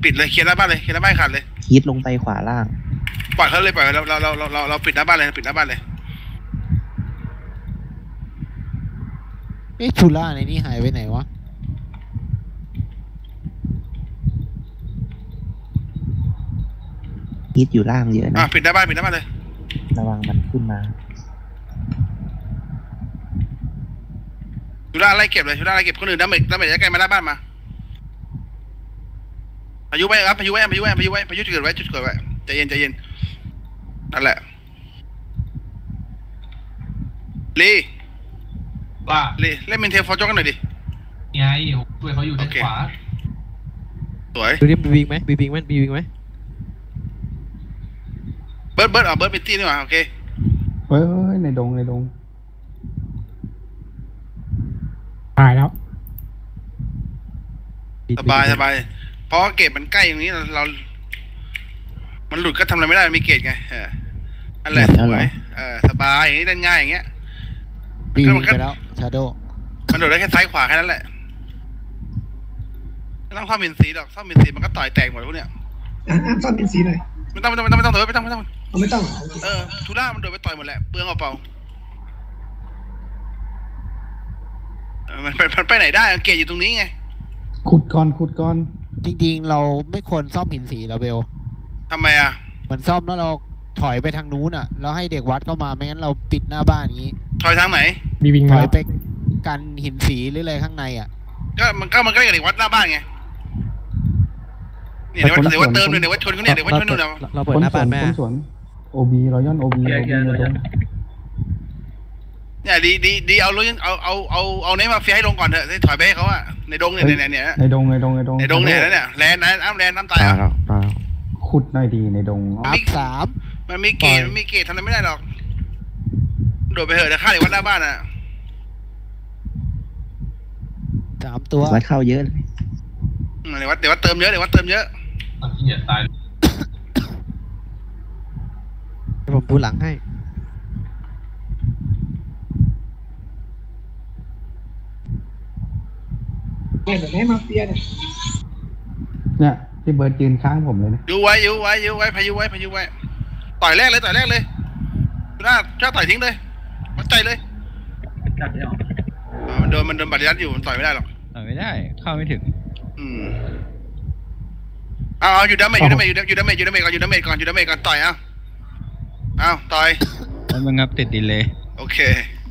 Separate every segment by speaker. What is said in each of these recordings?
Speaker 1: ปิดเลยเคลียร์หน้าบ้านเลยเคลียร์หน้าบ้านขาดเลย
Speaker 2: ฮิตลงไปขวาล่าง
Speaker 1: ปล่อยเขาเลยปล่อยเราปิดหน้าบ้านเลยปิดหน้าบ้านเลย
Speaker 3: ชูล่าในนี้หายไปไหนวะ
Speaker 2: ฮิตอยู่ล่างเยอะนะ
Speaker 1: ปิดหน้าบ้านเลย
Speaker 2: ระวังมันขึ้นมา
Speaker 1: ชูล่าไล่เก็บเลยชูล่าไล่เก็บคนอื่นดาเมจจะใกล้มาหน้าบ้านมาพายุไว้ครับพายุจุดเกิดไว้ใจเย็นนั่นแหละลี
Speaker 4: ว่า
Speaker 1: ลีเล่นเมนเทลฟอร์จ็อกกันหน่อยดิ
Speaker 4: ไงช่วยเขาอยู่ด้านขวา
Speaker 1: สวย
Speaker 3: ดูดิบีวิงไหมเ
Speaker 1: บิร์ดเป็นตี้นี่หว่าโอเค
Speaker 5: เฮ้ยในดง
Speaker 3: ตายแล้ว
Speaker 1: สบายเพราะเกตมันใกล้อย่างนี้เรามันหลุดก็ทำอะไรไม่ได้มีเกตไงอันแหละสวยสบายอย่างนี้เล่นง่ายอย่างเงี้ย
Speaker 3: ปีนไปแล้วชาโด
Speaker 1: มันโดดได้แค่ซ้ายขวาแค่นั้นแหละไม่ต้องซ่อมมินซีหรอกซ่อมมินซีมันก็ต่อยแตกหมดพวกเนี้ย
Speaker 6: ซ่อมมินซีหน่อย
Speaker 1: ไม่ต้องเถอะไม่ต้องทูล่ามันโดดไปต่อยหมดแหละเปลืองเปล่ามันไปไหนได้เกตอยู่ตรงนี้ไง
Speaker 5: ขุดก่อน
Speaker 3: จริงๆเราไม่ควรซ่อมหินสีเราเบล
Speaker 1: ทำไมอ่ะ
Speaker 3: เหมือนซ่อมแล้วเราถอยไปทางนู้นอ่ะแล้วให้เด็กวัดเข้ามาไม่งั้นเราปิดหน้าบ้านอย่างนี้
Speaker 1: ถอยทางไหน
Speaker 3: ถอยไปกันหินสีหรืออะไรข้างในอ่ะ
Speaker 1: ก็มันก็เด็กวัดหน้าบ้านไงนี่เดี๋ยววัดเติมเลยเดี๋ยววัดชนเขาเนี่ยเดี๋ยววัดชนนู่น
Speaker 3: เราเปิดหน้าบ้านแม่
Speaker 5: สวนโอบีรอยอนโอบี
Speaker 1: เนี่ยดีเอาเนมาเฟียให้ลงก่อนเถอะถอยไปให้เขาอะในดงเนี่ย
Speaker 5: ในดง
Speaker 1: เนี่ยเนี่ยแลนน้ำตายอ่ะ
Speaker 5: ขุดหน่อยดีในดง
Speaker 3: 3
Speaker 1: มันมีเกตทำอะไรไม่ได้หรอกโดดไปเถอะเดี๋ยวฆ่าเด็กวัดหน้าบ้านอ่ะ
Speaker 3: 3 ตัว
Speaker 2: วัดเข้าเยอะเลย
Speaker 1: เดี๋ยววัดเติมเยอะ
Speaker 4: ที่เหยียดตาย
Speaker 3: ผมปูหลังให้
Speaker 6: ให้มาเฟีย
Speaker 5: เนี่ยที่เบิร์ดยืนข้างผมเลยนะ
Speaker 1: อยู่ไว้พายุไว้ต่อยแรกเลยถ้าต่อยทิ้งเลยวัดใจเลยมันโดนบัตรยัดอยู่มันต่อยไม่ได้หรอก
Speaker 7: ต่อยไม่ได้เข้าไม่ถึง
Speaker 1: เอาอยู่ดาเมจก่อนต่อยเอาต่อย
Speaker 7: แล้วมันงับติดดีเลย
Speaker 1: โอเค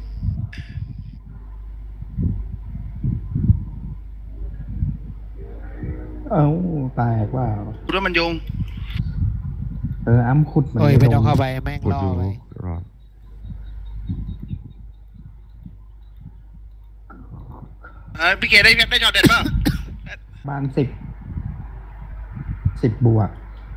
Speaker 5: ตายว่า
Speaker 1: คุณว่ามันโยง
Speaker 5: อ้ำขุด
Speaker 3: มันไม่ต้องเข้าไปแม่งล่อไป
Speaker 1: พี่เกได้จอดเด็ดป่ะ
Speaker 5: บ้าน10 บวก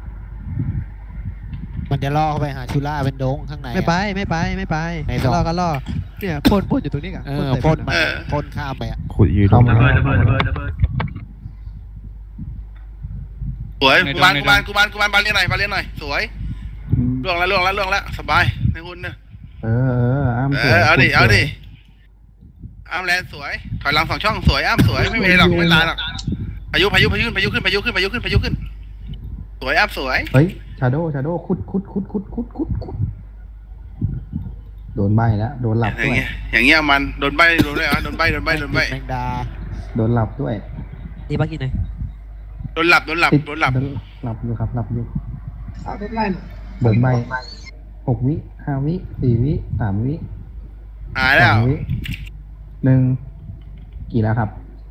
Speaker 3: มันจะล่อเข้าไปหาชูล่าเป็นดงข้างในไม่ไปล่อก็ล่อเนี่ยพ่นอยู่ตรงนี้กันพ่นข้ามไปอ่ะ
Speaker 2: ขุดอยู่ตรงนั้น
Speaker 1: สวยกูบานบานเลี้ยงหน่อยสวยล่วงแล้วสบายในหุ่นเนี่ยเอาดิอ้ามแลนสวยถอยหลัง2 ช่องสวยอ้ามสวยไม่มีหรอกไม่ลายหรอกพายุขึ้นสวยอ้ามสวย
Speaker 5: เฮ้ยชาโดขุดโดนใบแล้วโดนหลับด้วย
Speaker 1: อย่างเงี้ยมันโดนใบโดนใบ
Speaker 3: แมงดา
Speaker 5: โดนหลับด้วย
Speaker 3: นี่บ้ากินไหน
Speaker 1: โดนหลับอยู่ครับหลับ
Speaker 5: อยู่
Speaker 6: เอาทุกไล่
Speaker 5: โดนใบ6 วิ5 วิ4 วิ3 วิ
Speaker 1: หายแล้ว
Speaker 5: 1กี่แล้วครับ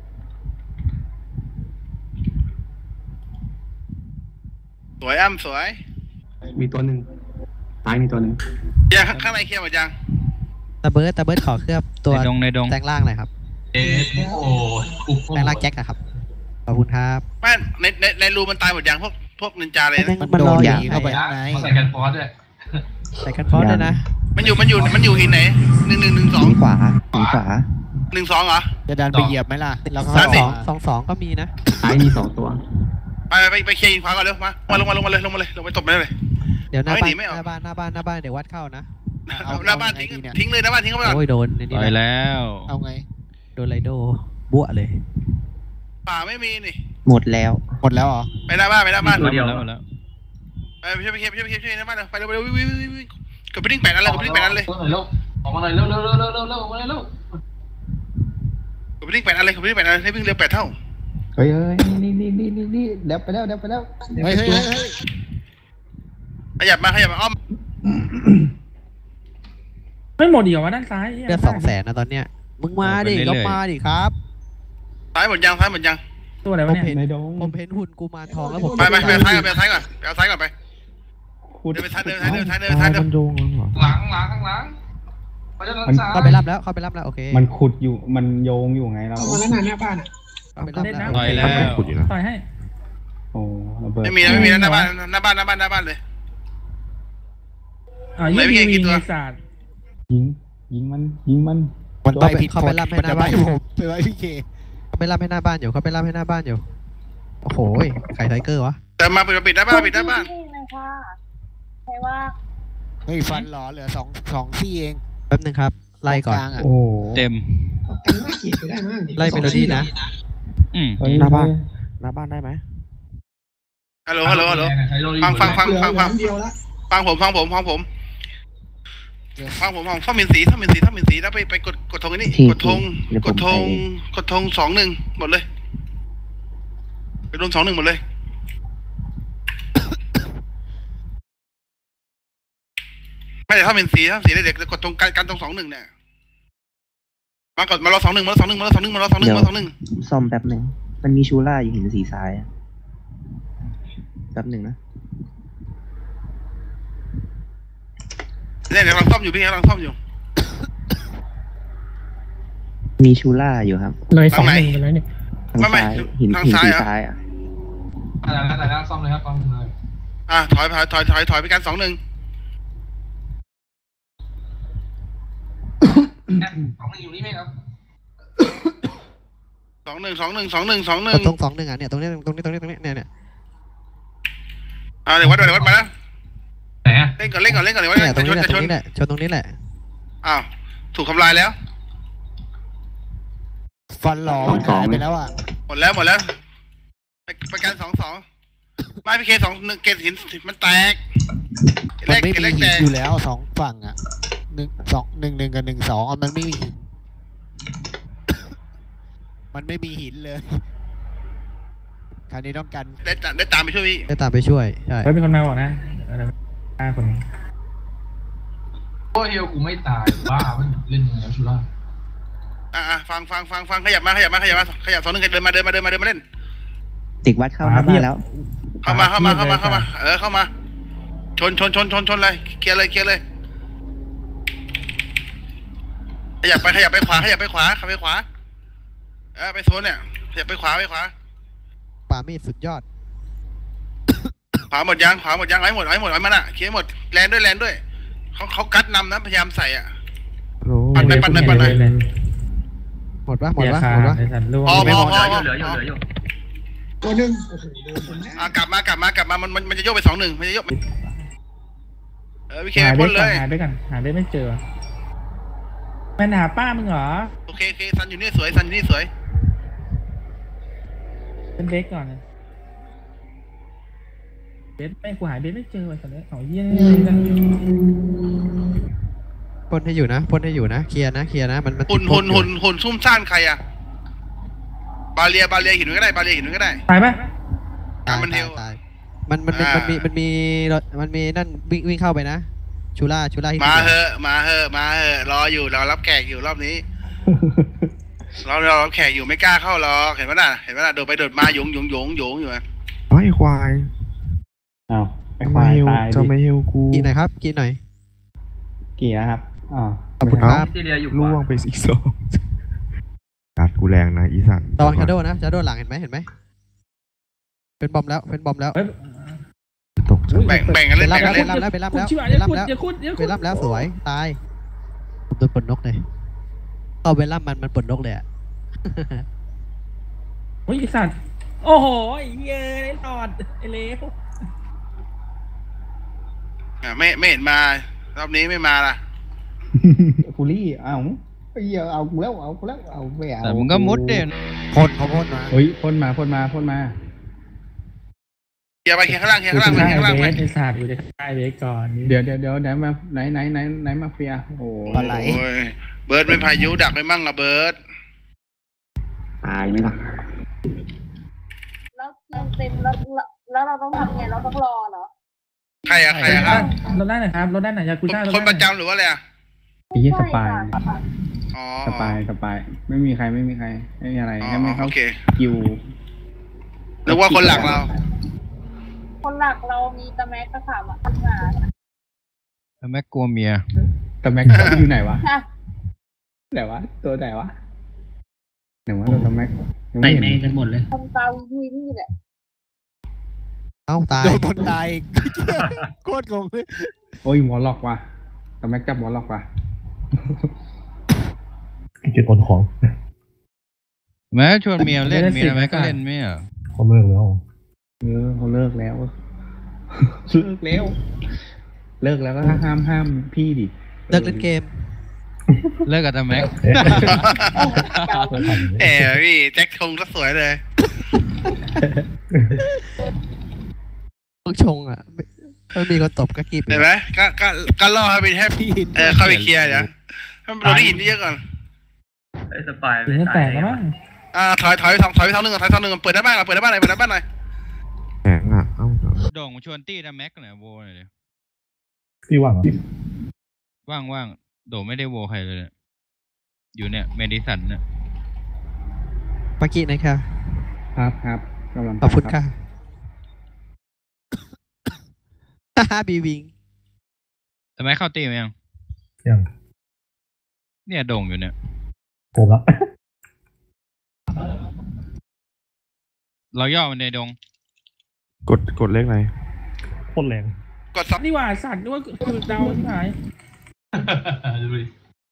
Speaker 1: สวยอ้ำสวย
Speaker 5: มีตัวหนึ่งตายมีตัวหนึ่ง
Speaker 1: ยังข้างในเคลียร์หมดยัง
Speaker 3: ตะเบิร์ดขอเคลือบตัว
Speaker 7: ในดง
Speaker 3: แตงล่างหน่อยครับแตงล่างแจ็คครับขอบคุณครับ
Speaker 1: แม่ในรูมันตายหมดยังพวกนินจาเลยนะ
Speaker 3: มันโดนยิงเข้าไปข้างใน
Speaker 4: ใส่กันฟอส
Speaker 3: ด้วยนะ
Speaker 1: มันอยู่หินไหน1
Speaker 2: ขวา
Speaker 1: 1 2เหรอ
Speaker 3: จะดันไปเหยียบไหมล่ะแล้วก็2ก็มีนะ
Speaker 5: มี2 ตัว
Speaker 1: ไปเคลียร์หินขวาก่อนเร็วมาลงมาเลยลงไปตบมันเลย
Speaker 3: เดี๋ยวหน้าบ้านเดี๋ยววัดเข้านะ
Speaker 1: หน้าบ้านทิ้งเลยหน้าบ้านทิ้งเข้าไปก่อน
Speaker 3: โอ้ยโดน
Speaker 7: ไปแล้ว
Speaker 3: เอาไงโดนไรโดบัวเลย
Speaker 1: ป่าไม่มีนี่
Speaker 2: หมดแล้ว
Speaker 3: หมดแล้วเหรอ
Speaker 1: ไปหน้าบ้านไปหน้าบ้าน
Speaker 7: หมดแล้วหมดแล้ว
Speaker 1: ไปช่วยหน้าบ้านเลยไปเร็ววิ่งกดไปดิ้งแปดนั้นเลยกดไปดิ้งแปดนั้นเลย
Speaker 4: ออกมาหน่อยเร็วออกมาหน่อยเร็วออกมาหน่อยเร็ว
Speaker 1: กดไปดิ้งแปดนั้นเลยกดไปดิ้งแปดนั้นให้วิ่งเร็ว8 เท่า
Speaker 5: เฮ้ยนี่เดี๋ยวไปแล้ว
Speaker 3: เฮ้ย
Speaker 1: ขยับมาอ้อม
Speaker 8: ไม่หมดเดียววะด้านซ้าย
Speaker 3: เดือน200,000นะตอนเนี้ยมึงมาดิก็มาดิครับ
Speaker 1: ซ้ายหมดยัง
Speaker 8: ตัวอะไรวะเนี่ย
Speaker 5: ในดง
Speaker 3: ผมเห็นหุ่นกูมารทองแล้วผม
Speaker 1: ไปเอาซ้ายก่อนไปเอาซ้ายก่อนไป
Speaker 5: ขุด
Speaker 1: เดินไปซ้ายเดิน
Speaker 5: มันโดงเหรอ
Speaker 4: หลังข้างหลังเขาจะด้านซ้าย
Speaker 3: เข้าไปรับแล้วโอเค
Speaker 5: มันขุดอยู่มันโยงอยู่ไงเรา
Speaker 6: เอามาแล้วนานหน้าบ้านอ่ะ
Speaker 3: เข้าไปรับแล้ว
Speaker 7: ต่อยแล้ว
Speaker 8: ต่อยให้
Speaker 5: โอ้ระเบิด
Speaker 1: ไม่มีหน้าบ้านเลย
Speaker 8: ยี่มีมีศาสตร์
Speaker 5: ยิงมัน
Speaker 3: มันไปผิดเขาไปรับให้หน้าบ้านผมไปไว้พี่เคเขาไปรับให้หน้าบ้านอยู่โอ้โหไข่ไทเกอร์วะ
Speaker 1: แต่มาปิดหน้าบ้าน
Speaker 9: ใช่ว่า
Speaker 3: เฮ้ยฟันหรอเหลือ2ซี่เองแป๊บนึงครับไล่ก่อน
Speaker 5: โอ้
Speaker 7: เต็ม
Speaker 6: แต่งหน้าเกลียดไปได้มั้ง
Speaker 3: ไล่เมโลดี้นะ
Speaker 5: หน้าบ้าน
Speaker 2: หน้าบ้านได้ไหม
Speaker 1: ฮัลโหลฟัง
Speaker 6: เหลืออันเดียวละ
Speaker 1: ฟังผมซ่อมมินสีแล้วไปกดธงนี่กดธง21หมดเลยไปรวม21หมดเลยไม่แต่ถ้ามินสีเด็กกดธงกันตรง21เนี่ยมากดมารอ21มา
Speaker 2: ซ่อมแป๊บหนึ่งมันมีชูล่าอยู่หินสีซ้ายอะแป๊บหนึ่งนะ
Speaker 1: เนี่ยกำลังซ่อมอยู่พี่กำลังซ่อมอยู่
Speaker 2: มีชูล่าอยู่ครับ
Speaker 8: เลย2-1ไปแล้วเนี่ย
Speaker 2: ทางซ้ายหินสีซ้ายอ่ะ
Speaker 4: แต่แล้วซ่อมเลยครับซ่อมเลย
Speaker 1: ถอยไปกัน21
Speaker 4: 21อยู่นี่ไหมครับ
Speaker 1: 21
Speaker 3: ตรง21อ่ะเนี่ยตรงนี้เนี่ย
Speaker 1: เดี๋ยววัดมาแล้ว
Speaker 4: ไหน
Speaker 1: เล่นก่อนเดี๋ยววัด
Speaker 3: เนี่ยตรงนี้
Speaker 1: จะชน
Speaker 3: แหละชนตรงนี้แหละ
Speaker 1: อ้าวถูกทำลายแล้ว
Speaker 3: ฟันหล่อมันหายไปแล้วอ่ะ
Speaker 1: หมดแล้วไปกัน2-2ไม่พี่เค2-1เกตหินมันแตก
Speaker 3: มันไม่มีหินอยู่แล้ว2ฝั่งอ่ะ1-1กับ1-2มันไม่มีหินมันไม่มีหินเลยคราวนี้ต้องกัน
Speaker 1: ได้ตามไปช่วยพี่
Speaker 3: ได้ตามไปช่วยใช่
Speaker 8: เฮ้ยเป็นคนมาบอกนะ5 คน
Speaker 4: โอ้เฮลกูไม่ตายบ้ามันเล่นยังไงชูล่า
Speaker 1: ฟังขยับมา2-1เดินมาเล่น
Speaker 2: เด็กวัดเข้าหน้าบ้านแล้ว
Speaker 1: เข้ามาเข้ามาชนเลยเคลียร์เลยขยับไปขวาไปโซนเนี่ยขยับไปขวา
Speaker 3: ป่ามีดสุดยอด
Speaker 1: ขวาหมดยังไอ้หมดมันอ่ะเคลียร์หมดแลนด้วยเขากัดนำนะพยายามใส่อ่ะปั่นไป
Speaker 3: หมดปะ
Speaker 8: ไอ้สัตว์ร่วง
Speaker 1: พอ
Speaker 4: เหลืออยู่
Speaker 6: ตัวหนึ่งโอ้โหโดนคนแน่
Speaker 1: กลับมามันจะโยกไป2-1มันจะโยกพี่เค
Speaker 8: หา
Speaker 1: ไป
Speaker 8: เบ
Speaker 1: พ่
Speaker 8: ส
Speaker 1: นเลย
Speaker 8: หาเบสกันหาเบสไม่เจอแม่หาป้ามึงเหรอ
Speaker 1: โอเคซันอยู่นี่สวย
Speaker 8: เป็นเบสก่อนเบสแม่กูหาเบสไม่เจอว่ะสัตว์เนี่ยเยี่ย
Speaker 3: พ่นให้อยู่นะเคลียร์นะมัน
Speaker 1: หุ่นซุ่มซ่านใครอ่ะบาเรียหินก็ได้ต
Speaker 8: ตายปะ
Speaker 3: ตายมันมีนั่นวิ่งเข้าไปนะชูล่า
Speaker 1: มาเหอะรออยู่รอรับแขกอยู่รอบนี้เรารับแขกอยู่ไม่กล้าเข้าหรอกเห็นไหมล่ะโดดไปโดดมาหยงอยู่อ่ะ
Speaker 5: ไอ้ควายอ้าวไอ้ควายตายจะไม่เฮลกู
Speaker 3: กินหน่อยครับกินหน่อย
Speaker 5: กี่นะครับ
Speaker 3: ขอบคุณครับ
Speaker 4: ที่เรียอยู่
Speaker 5: ล่วงไปอีก2กัดกูแรงนะอีสัน
Speaker 3: ระวังชาโดนะชาโดหลังเห็นไหมเป็นบอมแล้ว
Speaker 5: ตกใจ
Speaker 1: แบ่งกันเล่น
Speaker 3: ไปรับแล้วสวยตายผมโดนปนนกเลยเอาไปรับมันปนนกเลยอ่ะ
Speaker 8: โอ้ยสัตว์โอ้โหเย้ยตอดไอ้เล็ว
Speaker 1: ไม่เห็นมารอบนี้ไม่มาล่ะ
Speaker 5: ฟูลี่เอากูแล้วไม่เอา
Speaker 7: แต่มึงก็มุดเด่น
Speaker 3: เขาพ่นมา
Speaker 5: เฮ้ยพ่นมา
Speaker 1: เคลียร์ไปเคลียร์ข้างล่างเคลียร์ข้างล่างไปเคลียร์ข้างล่างไป
Speaker 8: ไอ้ศาสตร์กูจะฆ่าเบสก่อน
Speaker 5: เดี๋ยวไหนมาไหนมาเฟียโอ้
Speaker 3: ปลาไหล
Speaker 1: โอ้ยเบิร์ดไม่พายุดักไปมั่งอะเบิร์ด
Speaker 2: ตายไหมล่ะ
Speaker 9: แล้วเราเต็มแล้วเราต้องทำไงเราต้องรอเหรอ
Speaker 1: ใครอะครับ
Speaker 8: รถด้านไหนครับรถด้านไหนยากูซ่า
Speaker 1: คนประจำหรือว่าอะไรอะ
Speaker 5: ยสปาย
Speaker 1: อ๋อ
Speaker 5: สปายไม่มีใครไม่มีอะไรให้ไม่เข้า
Speaker 1: โอเค
Speaker 5: คิว
Speaker 1: นึกว่าคนหลักเรา
Speaker 9: คนหลักเรามีตะแม็กกระถามอ่ะขึ้นมา
Speaker 7: แล้วแม่กลัวเมีย
Speaker 5: แต่แม็กอยู่ไหนวะไหนวะตัวไหนวะตัวแม็ก
Speaker 8: ใส่แม่งกันหมดเลย
Speaker 9: ทำตาวีนี่แหละ
Speaker 3: เอ้าตายโดนคนตายโคตรงงเลย
Speaker 5: โอ้ยหมอล็อกว่ะแต่แม็กจับหมอล็อกว่ะ
Speaker 10: จุดอ่อนของ
Speaker 7: แม่ชวนเมียเล่นเมียแม่ก็เล่นไม่เหรอ
Speaker 10: เขาเลิกแล้ว
Speaker 5: เขาเลิกแล้วก็ห้ามพี่ดิ
Speaker 3: เลิกเล่นเกม
Speaker 7: เลิกกับตาแม็ก
Speaker 1: พี่แจ็คชงก็สวยเลย
Speaker 3: พวกชงอ่ะไม่มีคนตบก็กีบ
Speaker 1: เห็นไหมก็ล่อให้ไปแทบเข้าไปเคลียร์เนี่ยเราได้ยินเยอะก่อน
Speaker 8: สปายเลยแตกแล้วมั้ง
Speaker 1: ถอยไปทางนึงเปิดได้บ้านหน่อยเปิดได้บ้านหน่อย
Speaker 2: แข็งอ่ะเอ้า
Speaker 7: โด่งชวนตี้ตาแม็กหน่อยโวหน่อยดิ
Speaker 10: พี่ว่างเหรอ
Speaker 7: ว่างโด่งไม่ได้โวใครเลยเนี่ยอยู่เนี่ยเมดิสันเนี่ย
Speaker 3: ปากี้นะครับ
Speaker 5: ครับกำลัง
Speaker 3: ขอบคุณค่ะฮ่าบีวิง
Speaker 7: ตาแม็กเข้าตีไหมยัง
Speaker 10: ยัง
Speaker 7: เนี่ยโด่งอยู่เนี่ย
Speaker 10: ผมละ
Speaker 7: เราย่อมันในดง
Speaker 5: กดเลขไหน
Speaker 10: โคตรแรง
Speaker 1: กดซับ
Speaker 8: นี่ว่าสัตว์ด้วยคือเดาที่หาย
Speaker 4: ดูดิ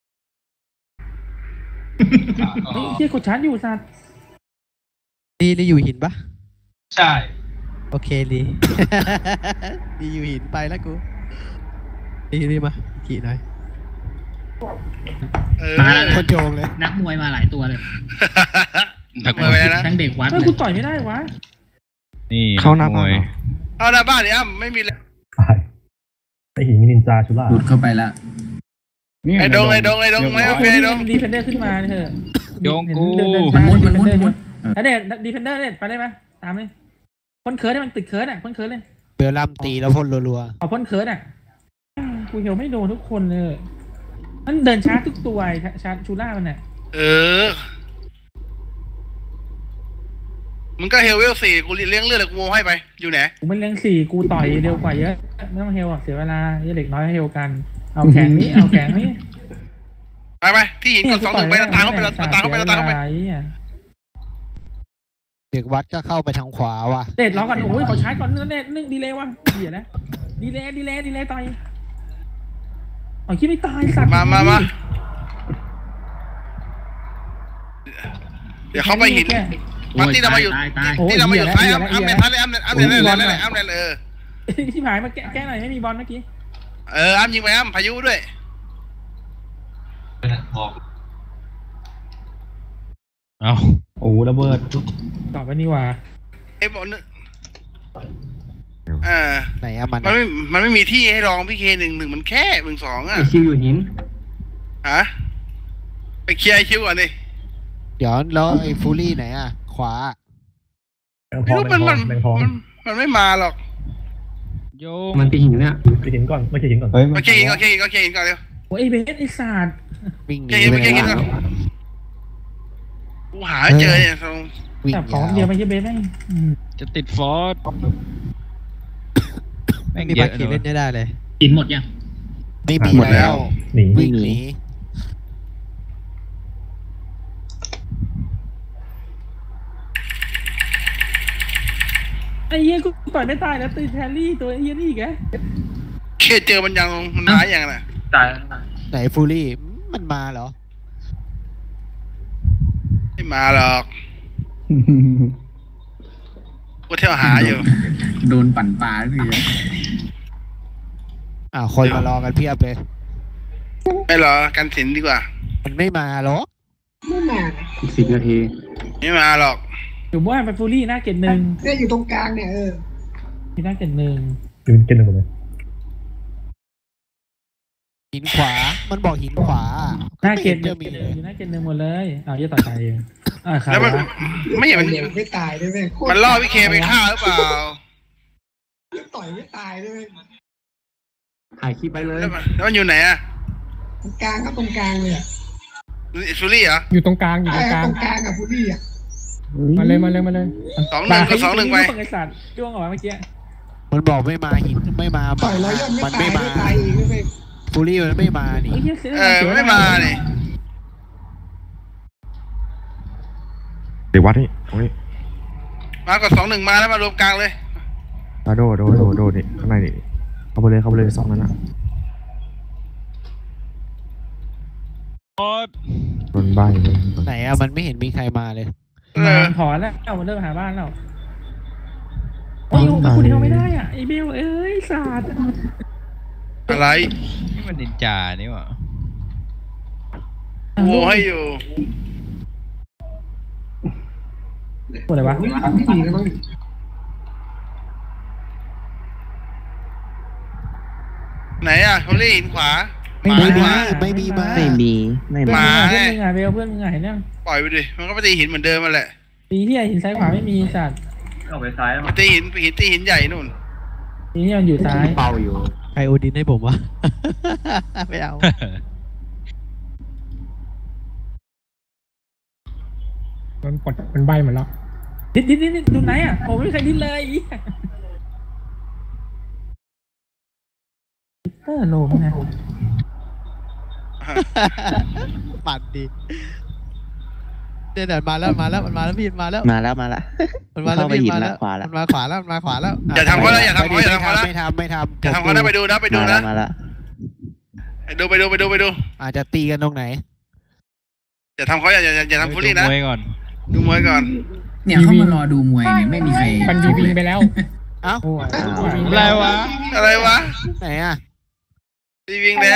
Speaker 8: ที่กดชาร์จอยู่สัตว์
Speaker 3: ดีอยู่หินปะ
Speaker 4: ใช่
Speaker 3: โอเคดี ดีอยู่หินไปแล้วกูดีมาขี่หน่อยคนโจงเลย
Speaker 8: นักมวยมาหลายตัวเลย
Speaker 7: ถัก
Speaker 1: มาไปนะ
Speaker 8: ทั้งเด็กวัดเลยกูต่อยไม่ได้วะ
Speaker 7: นี่
Speaker 2: เข้าหน้าบ้าน
Speaker 7: มวย
Speaker 2: เหรอ
Speaker 1: เอาหน้าบ้านเนี่ยไม่มีเลย
Speaker 10: ตายไอหินมีนินจาชุล่า
Speaker 8: หลุดเข้าไปละ
Speaker 1: ไอ้ดงไม่โอเคดง
Speaker 8: ดีเฟนเดอร์ขึ้นมาเถอะ
Speaker 7: โยงกู
Speaker 8: มันมุดแล้วเด็ดดีเฟนเดอร์เด็ดไปได้ไหมตามเลยพ่นเคิร์ดให้มันติดเคิร์ดอ่ะพ่นเคิร์ดเลย
Speaker 3: เบลลัมตีแล้วพ่นรัว
Speaker 8: เอาพ่นเคิร์ดอ่ะกูเหี่ยวไม่โดนทุกคนเลยมันเดินช้าทุกตัวชาร์จชูล่ามันเนี่ย
Speaker 1: มึงก็เฮลเวล4กูเลี้ยงเลือดกูโมให้ไปอยู่ไหน
Speaker 8: กูไม่เลี้ยง4กูต่อยเร็วกว่าเยอะไม่ต้องเฮลอ่ะเสียเวลาเด็กน้อยเฮลกันเอาแข็งนี้
Speaker 1: ไปที่หินกด2-1ไปตามเข้าไป
Speaker 3: ๆเด็กวัดก็เข้าไปทางขวาว่ะ
Speaker 8: เด็ดล้อก่อนโอ้ยเขาชาร์จก่อนเน็ต1ดีเลย์ว่ะเดี๋ยวนะดีเลย์ต่อยเอาคิดไม่ตายสัตว์
Speaker 1: มาเดี๋ยวเข้าไปหินมาที่เรามาอยู่ที่เรามาอยู่ซ้ายอ้ำเลย
Speaker 8: ที่ผายมาแก้หน่อยไม่มีบอลเมื่อกี้
Speaker 1: อ้ำยิงไปอ้ำพายุด้วย
Speaker 4: บอก
Speaker 7: เอา
Speaker 5: โอ้ระเบิด
Speaker 8: ตอบไปนี่ว่า
Speaker 1: ไอ้บอล
Speaker 3: ไหนอะ
Speaker 1: มันไม่มีที่ให้ลองพี่เค1-1มันแค่1-2อ่ะ
Speaker 8: คิวอยู่หิน
Speaker 1: ฮะไปเคลียร์คิวก่อนดิ
Speaker 3: เดี๋ยวแล้วไอ้ฟูลี่ไหนอะขวา
Speaker 1: ไม่รู้มันไม่มาหรอก
Speaker 7: โย
Speaker 8: มันตีหินเนี่ย
Speaker 10: ไปหินก่อนไม่ใช่หินก่อน
Speaker 5: เฮ้ย
Speaker 1: โอเคหินก่อนเร็ว
Speaker 8: โอ้ยเบสไอ้ศาสตร์
Speaker 3: วิ่งหนี
Speaker 1: ไม่
Speaker 3: ไป
Speaker 1: ใช่
Speaker 3: ไหน
Speaker 1: หินก่อนกูหาเจอเนี่ย
Speaker 3: วิ่ง
Speaker 8: แต่ของเดียวไม่ใช่เบสแม่ง
Speaker 7: จะติดฟอสแม่ง
Speaker 3: มี
Speaker 7: เย
Speaker 3: ปา
Speaker 7: อะ
Speaker 3: กีเล่นได้เลย
Speaker 8: หินหมดยัง
Speaker 3: ไม่มีแล้ว
Speaker 10: หนี
Speaker 3: วิ่งหนี
Speaker 8: ไอ้เหี้ยกูต่อยไม่ตายแล้วตีแทลลี่ตัวไอ้เหี้ยนี่อีกแก
Speaker 1: เคเจอมันยังมันหาอย่างน่ะ
Speaker 8: ตาย
Speaker 3: ไหนฟูลี่มันมาเหรอ
Speaker 1: ไม่มาหรอกกูเที่ยวหาอยู่
Speaker 8: โดนปั่นปลาที
Speaker 3: คนมารอกันเพียบเลย
Speaker 1: ไม่หรอกันสินดีกว่า
Speaker 3: มันไม่มาหรอก
Speaker 6: ไม่มา
Speaker 8: อีก10 นาที
Speaker 1: ไม่มาหรอก
Speaker 8: อยู่บ้านไปฟูลี่หน้าเกต1
Speaker 6: เนี่ยอยู่ตรงกลางเนี่ย
Speaker 8: ที่หน้าเกณฑ์หนึ่ง
Speaker 10: ยืนเกณฑ์หนึ่งหมดเลย
Speaker 3: หินขวามันบอกหินขวา
Speaker 8: หน้าเกณฑ์
Speaker 3: จะมีเลย
Speaker 8: อยู่หน้าเกณฑ์หนึ่งหมดเลยเอาเยอะต่อใจเองครับ
Speaker 1: แล้วมันไม่เห็นมัน
Speaker 6: เดี๋ยวไม่ตายด้วยเว้ยโคตร
Speaker 1: มันล่อพี่เคไปฆ่าหรือเปล่า
Speaker 6: ต่อยไม่ตายด้วยเว้ย
Speaker 5: ถ่ายคลิปไปเลย
Speaker 1: แล้วมันอยู่ไหนอะ
Speaker 6: ตรงกลางก็ตรงกลางเลยอ่ะ
Speaker 1: ซูรี่เหรอ
Speaker 5: อยู่ตรงกลางอยู่ต
Speaker 6: ไอ้
Speaker 5: รงกลาง
Speaker 6: ตรงกลางกับฟูรี่อ่ะ
Speaker 5: มาเลยมาเลยมาเลย
Speaker 1: 2-1ก็2-1ไป
Speaker 8: ไอ้สัตว์จ้วงออกมาเมื่อกี้
Speaker 3: มันบอกไม่มาหินไม่มา
Speaker 6: ต่อยร้อยยอด
Speaker 3: มัน
Speaker 6: ไม่
Speaker 3: ไม่
Speaker 6: ตาย
Speaker 3: มา
Speaker 6: ไม่ตายอีกด้วยเว้ย
Speaker 3: ฟูรี่มันไม่มานี่
Speaker 1: ไม่มานี่
Speaker 11: เดี๋ยววัดนี่ตรงนี้
Speaker 1: มาก่อน2-1มาแล้วมารวมกลางเลย
Speaker 11: โดนี่ข้างในนี่เข้าไปเลยสองนั้นนะโดนใบเลย
Speaker 3: ไหนอะมันไม่เห็นมีใครมาเลย
Speaker 8: ถอนแล้วมันเริ่มหาบ้านแล้วโอ้ยคุณเดียวไม่ได้อ่ะไอ้เบลเอ้ยศาสตร์
Speaker 1: อะไร
Speaker 7: นี่มันนินจานี่หว่า
Speaker 1: โวให้อยู่
Speaker 8: หมดเลยวะ
Speaker 6: ไม่ดีแล้วมั้ง
Speaker 1: ไหนอะซูรี่หินขวา
Speaker 3: ไม่มีมา
Speaker 2: ไม่มี
Speaker 8: เพื่อนมึงอ่ะเบลเพื่อนมึงอ่ะเห็นยัง
Speaker 1: ปล่อยไปดิมันก็ไปตีหินเหมือนเดิมมาแหละ
Speaker 8: ตีที่หินซ้ายขวาไม่มีสัตว์
Speaker 1: ไปตีหินใหญ่นู่น
Speaker 8: ตีที่มันอยู่ซ้าย
Speaker 5: เป่าอยู่
Speaker 3: ใครโอดินให้ผมวะ ไม่เอา
Speaker 5: มันกดมันใบหมดแล้ว
Speaker 8: ดิดดูไหนอ่ะผมไม่เคยดิ้นเลยเตอร์โลมนะ
Speaker 3: ปั่นดีเดี๋ยวมาแล้วมันมาแล้วพี่มาแล้ว
Speaker 2: มาแล้ว
Speaker 3: มันมาแล้ว
Speaker 2: เข้าไป
Speaker 3: พี่
Speaker 2: หิน
Speaker 3: มา
Speaker 2: แล้
Speaker 3: แล้ว ว
Speaker 2: ขวาแล้ว
Speaker 3: มันมาขวาแล้ว
Speaker 1: อย่าทำเขานะอย่าทำเขาอย่าทำเขานะ
Speaker 3: ไม่ทำ
Speaker 1: อย่าทำเขานะไปดูนะ
Speaker 2: มาแล้ว
Speaker 1: ไปดู
Speaker 3: อาจจะตีกันตรงไหน
Speaker 1: อย่าทำเขาอย่าทำฟูรี่นะ
Speaker 7: ดูมวยก่อน
Speaker 1: ดูมวยก่อน
Speaker 12: เนี่ยเขามารอดูมวยเนี่ยไม่มีใคร
Speaker 5: มันดีวิงไปแล้ว
Speaker 3: เอ้า
Speaker 1: อะไรวะ
Speaker 3: ไหนอ่ะ
Speaker 1: ตีวิ่งแล้ว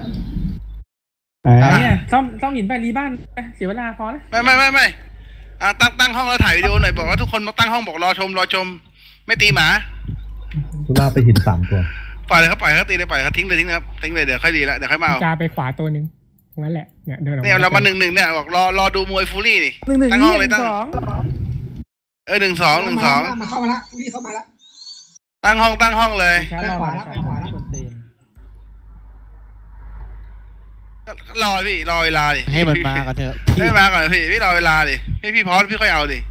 Speaker 8: เนี่ยซ่อมหินไปรีบ้านเสียเวลาพอแล้ว
Speaker 1: ไม่ตั้งห้องแล้วถ่ายวิดีโอหน่อยบอกว่าทุกคนมาตั้งห้องบอกรอชมไม่ตีหมา
Speaker 10: ชุล่าไปหิน3 ตัว
Speaker 1: ปล่อยเลยเขาตีเลยปล่อยเขาทิ้งเลยครับทิ้งเลยเดี๋ยวค่อยดีแล้วเดี๋ยวค่อยมาเอา
Speaker 5: จาไปขวาตัวนึงงั้นแหละเนี่ยเดินออก
Speaker 1: เนี่ยเรามา1-1เนี่ยบอกรอดูมวยฟูรี่นี่
Speaker 8: 1-1
Speaker 1: ตั้งห้องเลยตั้ง
Speaker 8: 1-2
Speaker 1: 1-2
Speaker 6: มาเข้ามาละฟูรี่เข้ามาละ
Speaker 1: ตั้งห้องเลย
Speaker 6: ขวาละ
Speaker 1: รอพี่รอเวลาดิ
Speaker 3: ให้มันมากันเถอะ
Speaker 1: ให้มาก่อนพี่รอเวลาดิพี่พอสพี่ค่อยเอาดิ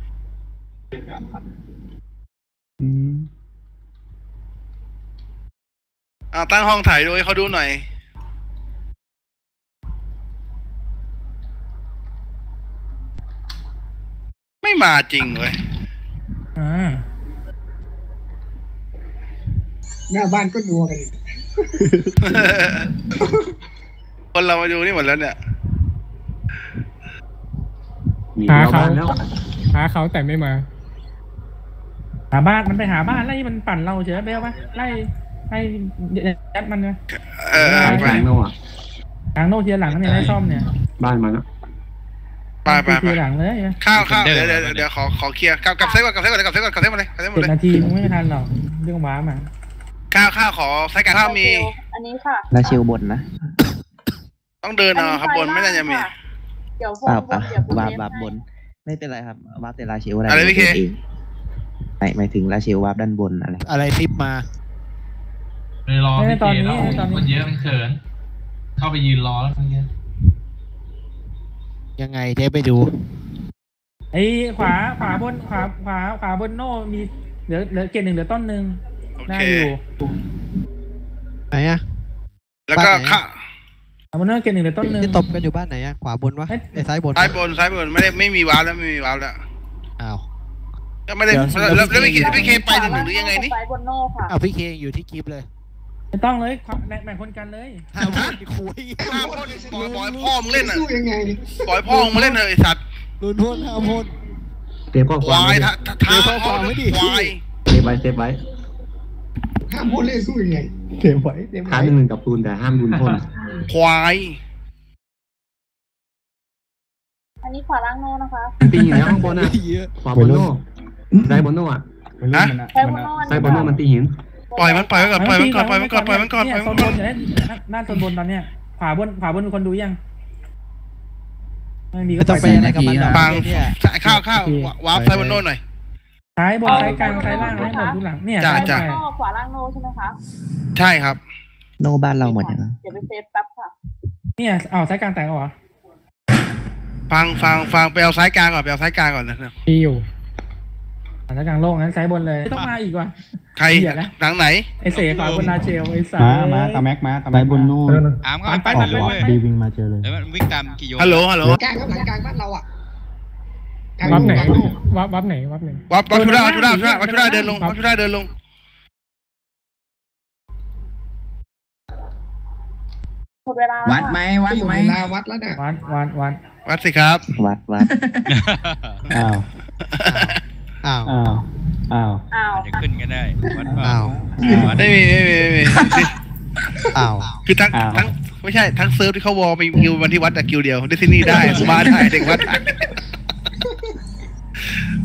Speaker 1: ตั้งห้องถ่ายดูให้เขาดูหน่อยไม่มาจริงเว้ย
Speaker 6: หน้าบ้านก็นัวกันอีก
Speaker 1: คนเรามาดูนี่หมดแล้วเนี่ย
Speaker 5: หาเขาแต่ไม่มา
Speaker 8: หาบ้านมันไปหาบ้านไล่มันปั่นเราเฉยเบลปะไล่ยัดมันนะ
Speaker 1: ไป
Speaker 5: โน่อะ
Speaker 8: กลางโน่เทียหลังเนี่ยได้ซ่อมเนี่ย
Speaker 5: บ้านมันอะ
Speaker 1: ไป
Speaker 8: เทียหลังเลย
Speaker 1: ข้าวเดี๋ยวขอเคลียร์กับเซฟก่อนมาเลย
Speaker 8: 7 นาทีมึงไม่ทันหรอกเรื่องว้ามา
Speaker 1: ข้าวขอใช้การข้าวมี
Speaker 9: อันนี้ค่ะ
Speaker 2: ลาเชลบนนะ
Speaker 1: ต้องเดินเอาครับบนไม่น่าจะมี
Speaker 9: เดี๋ยวโฟ
Speaker 2: ป่าน
Speaker 9: เดี๋ยว
Speaker 2: วาบบน ไม่เป็นไรครับวาบแต่ลาเชลอะไร
Speaker 1: อะไรพี่เค
Speaker 2: หมายถึงลาเชลวาบด้านบนอะไร
Speaker 3: ทิปมา
Speaker 4: เลยรอพี่เจแล้วมันเยอะมันเขินเข้าไปยืนรอแล้วเมื่อกี้
Speaker 3: ยังไงเจ๊ไปดู
Speaker 8: ไอ้ขวาบนโน่มีเหลือเกณฑ์1เหลือต้นหนึ่งน่าอยู่
Speaker 3: ไหนอ่ะ
Speaker 1: แล้วก็ข้า
Speaker 8: บนโน่เกณฑ์1เหลือต้นหนึ่ง
Speaker 3: ที่ตบกันอยู่บ้านไหนอ่ะขวาบนวะไอ้ซ้ายบน
Speaker 1: ซ้ายบนไม่มีวาร์ปแล้ว
Speaker 3: อ้าว
Speaker 1: ก็ไม่ได้แล้วพี่เคไป1-1หรือยังไงนี่
Speaker 9: ไปบนโน่ค่ะ
Speaker 3: อ้าวพี่เคอยู่ที่กิฟต์เลย
Speaker 8: ไม่ต้องเลยแบ่งคนกันเลย
Speaker 3: ห้ามคุย
Speaker 1: ปล่อยพ่อมึงเล่นอ่ะ
Speaker 6: สู้ยังไง
Speaker 1: ปล่อยพ่อมึงเล่นเถอะไอสัตว์
Speaker 3: ลุนพ่นห้ามพ่น
Speaker 5: เตะข้อคว
Speaker 1: าย
Speaker 5: ม
Speaker 1: ท้าพ่อไม่ดีควาย
Speaker 5: เซฟไว้
Speaker 6: ห้ามพูดเล่นสู้ยังไง
Speaker 10: เก็บไว้
Speaker 5: ท้า1กับปูนแต่ห้ามรุนพ่น
Speaker 1: ควาย
Speaker 9: อันนี้ขวาล่างโน่นะคะ
Speaker 5: ปีอยู่แล้วข้างบนอะขวาบนโน่ได้บนโน่อะไปเล่นมันอะ
Speaker 9: ใช้บนโน่
Speaker 2: ไซบอนโนมันตีหิน
Speaker 1: ปล่อยมันก่อนปล่อยมันก่อนปล่อยมันก่อน
Speaker 8: เนี่ยโซนบนอยู่หน้าโซนบนตอนเนี้ยขวาบนมีคนดูยังไม่มีก็
Speaker 3: ต้องไปอะไรกับมันหรอก
Speaker 1: ปัง
Speaker 3: เนี่ย
Speaker 1: ข้าววาร์ปไซบอนโน่หน่อย
Speaker 8: ซ้ายบนซ้ายกลางซ้ายล่างให้หมดดูหลังเนี่ย
Speaker 1: จ้ะ
Speaker 9: ขวาล่างโนใช่ไหมคะ
Speaker 1: ใช่ครับ
Speaker 2: โนบ้านเราหมดยัง
Speaker 9: เดี๋ยวไปเซฟแป๊บค่ะ
Speaker 8: เนี่ยซ้ายกลางแต่งเหรอ
Speaker 1: ฟังไปเอาซ้ายกลางก่อนนะ
Speaker 8: มีอยู่ซ้ายกลางโล่งนั้นซ้ายบนเลยต้องมาอีกว่ะ
Speaker 1: ใครหลังไหน
Speaker 8: ไอเสขวาบนนาเชลไอสา
Speaker 5: มาตาแม็กมาตา
Speaker 2: ไซ
Speaker 5: แม็ก
Speaker 2: บอนโน
Speaker 7: อาร์มก็
Speaker 8: ไป
Speaker 7: ไปเลยเว้ย
Speaker 10: ดีวิ่งมาเจอเลย
Speaker 7: แล้วมันวิ่งตามกิโย
Speaker 1: ฮัลโหล
Speaker 6: กลางครับหลังกลางบ้านเราอ่ะ
Speaker 8: วับไหน
Speaker 6: กลาง
Speaker 8: วับไหน
Speaker 1: วับชุดาเดินลง
Speaker 9: หมดเวลา
Speaker 12: วัดไหมวัด
Speaker 6: อยู่
Speaker 12: ไหม
Speaker 6: เวลาวัดแล้วเนี่ย
Speaker 1: วัดสิครับ
Speaker 2: วัด
Speaker 5: อ้าว
Speaker 3: อ้าว
Speaker 5: อ้าวอ้าว
Speaker 9: อ้าว
Speaker 7: อาจจะขึ้นก็ได้วัดเปล่า
Speaker 3: อ้าว
Speaker 1: ไม่มี
Speaker 3: อ้าว
Speaker 1: คือทั้งไม่ใช่ทั้งเซิร์ฟที่เขาวอลไปกิววันที่วัดแต่กิวเดียวดิสนีย์ได้มาได้เด็กวัด